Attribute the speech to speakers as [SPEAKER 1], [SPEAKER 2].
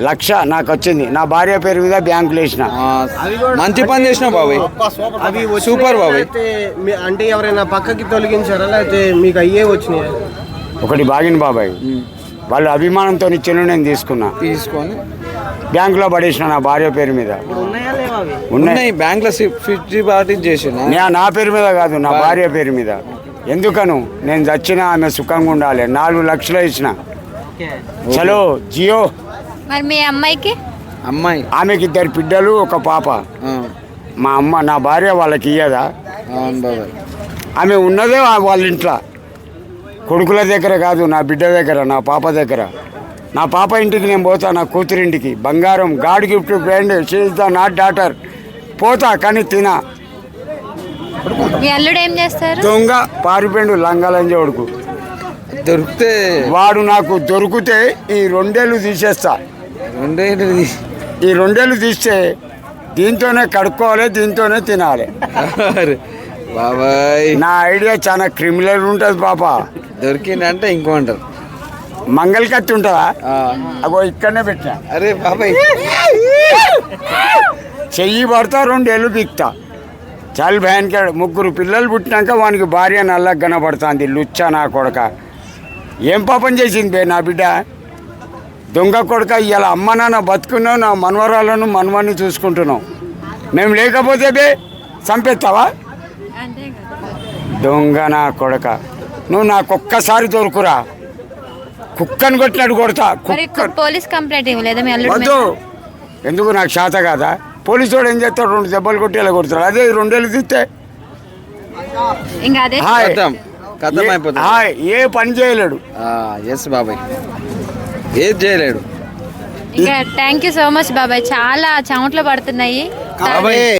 [SPEAKER 1] 1,00,000 నాకు వచ్చింది. నా భార్య పేరు మీద బ్యాంకులో వేసిన.
[SPEAKER 2] మంచి పని చేసినావు బాబాయ్.
[SPEAKER 3] అవి
[SPEAKER 2] సూపర్ బాబాయ్.
[SPEAKER 3] అంటే ఎవరైనా పక్కకి తొలగించారా లేకపోతే మీకు అయ్యే వచ్చినాయి?
[SPEAKER 1] ఒకటి బాగిన బాబాయ్, వాళ్ళు అభిమానంతో ఇచ్చిన నేను
[SPEAKER 2] తీసుకొని
[SPEAKER 1] బ్యాంకులో పడేసిన నా భార్య పేరు మీద.
[SPEAKER 3] ఉన్నాయా లేవా అవి?
[SPEAKER 2] ఉన్నాయి బ్యాంక్లో ఫిక్స్డ్ డిపాజిట్ చేసిన.
[SPEAKER 1] నా పేరు మీద కాదు, నా భార్య పేరు మీద. ఎందుకను నేను చచ్చినా ఆమె సుఖంగా ఉండాలి. 4 లక్షలు ఇచ్చిన. చలో జియో.
[SPEAKER 4] మరి మీ అమ్మాయికి?
[SPEAKER 2] అమ్మాయి
[SPEAKER 1] ఆమెకి 2 బిడ్డలు, 1 పాప. మా అమ్మ నా భార్య వాళ్ళకి ఇయ్యదా?
[SPEAKER 2] అవును బాబాయ్.
[SPEAKER 1] ఆమె ఉన్నదే వాళ్ళ ఇంట్లో, కొడుకుల దగ్గర కాదు, నా బిడ్డ దగ్గర, నా పాప దగ్గర. నా పాప ఇంటికి నేను పోతా, నా కూతురింటికి బంగారం, God gift, friend, she is the not daughter. పోతా కానీ తినా.
[SPEAKER 4] మీ అల్లుడు ఏం చేస్తారు?
[SPEAKER 1] దొంగ పారిపోయిండు లంగాలంజ కొడుకు.
[SPEAKER 2] దొరికితే
[SPEAKER 1] వాడు నాకు దొరికితే ఈ 2 ఏళ్ళు తీసేస్తా. ఈ 2 ఏళ్ళు తీస్తే దీంతోనే కడుక్కోవాలి, దీంతోనే తినాలి.
[SPEAKER 2] బాబాయ్
[SPEAKER 1] నా ఐడియా చాలా క్రిమినల్ ఉంటుంది పాప.
[SPEAKER 2] దొరికిందంటే ఇంకో అంటారు.
[SPEAKER 1] మంగళ కత్తి ఉంటుందా? అగో ఇక్కడనే పెట్టా.
[SPEAKER 2] అరే బాబాయ్
[SPEAKER 1] చెయ్యి పడతా 2 ఏళ్ళు బిక్తా. చాలు భయానికి. 3 పిల్లలు పుట్టినాక వానికి భార్య నల్లగా కనబడుతుంది. లుచ్చా నా కొడక. ఏం పాపం చేసింది బే నా బిడ్డ? దొంగ కొడక. ఇలా అమ్మ నాన్న బతుకున్నావు, నా మనవరాలను మనవాన్ని చూసుకుంటున్నావు. మేము లేకపోతే బే చంపేస్తావా? దొంగ నా కొడక. నువ్వు నాకొక్కసారి దొరుకురా, కుక్కని కొట్టినట్టు కొడతా.
[SPEAKER 4] పోలీస్ కంప్లైంట్ ఇవ్వలేదా మీ అల్లుడు?
[SPEAKER 1] వద్దు. ఎందుకు? నాకు శాత కాదా? పోలీసు వాడు ఏం చేస్తాడు? 2 దెబ్బలు కొట్టి ఇలా కొడతాడు. అదే 2 ఏళ్ళు తీస్తే
[SPEAKER 4] ఇంకా అదే
[SPEAKER 2] కథం అయిపోతుంది.
[SPEAKER 1] ఏ పని చేయలేడు.
[SPEAKER 2] ఎస్ బాబాయ్, ఏది చేయలేడు.
[SPEAKER 4] ఇంకా థ్యాంక్ యూ సో మచ్ బాబాయ్. చాలా చెమటలు పడుతున్నాయి.
[SPEAKER 2] బాబాయ్